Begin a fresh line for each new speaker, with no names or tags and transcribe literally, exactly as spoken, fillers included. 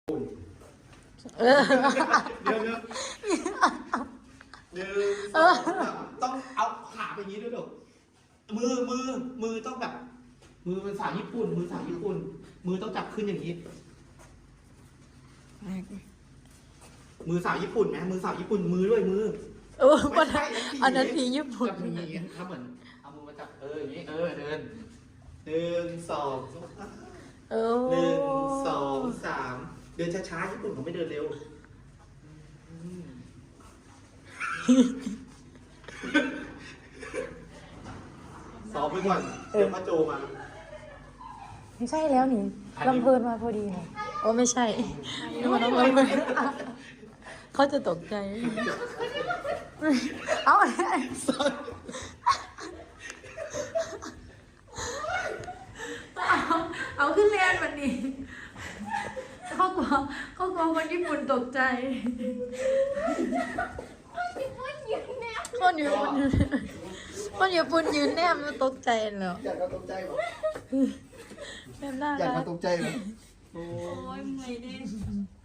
เออเดี๋ยวเดี๋ยวหนึ่งสองต้องเอาขาไปอย่างนี้ด้วยเดี๋ยวมือมือมือต้องแบบมือเป็นสาวญี่ปุ่น มือสาวญี่ปุ่น มือต้องจับขึ้นอย่างนี้ มือสาวญี่ปุ่นไหมมือสาวญี่ปุ่นมือด้วยมือ
เออวันนั้นอันนั้นผีญี่ปุ่น
จับอย่างนี้ถ้าเหมือนเอามือมาจับเอออย่างนี้เออเดินหนึ่งสอง
เออ
หนึ่งสองสามเดินช้าๆญี่ปุ่นเขาไม่เดินเร็วซ้อมไปก่อนเดี๋ยวมาโจมา
ไม่ใช่แล้วนี่ลำเพลินมาพอดีไง
โอ้ไม่ใช่นี่มันต้องลงไปเขาจะตกใจ
เอา เอาขึ้นเรียนวันนี้เขากลัวเขากลัวคนญี่ปุ่นตกใจ
คนอยู่คนอยู่คนอยู่ปุ่นยืนแนมมันตกใจแล้ว
อยากมาตกใจหรอ
แนมหน้า
อยาก
รั
มาก ตกใจหรอ
โอ้ยเมื่อยเด้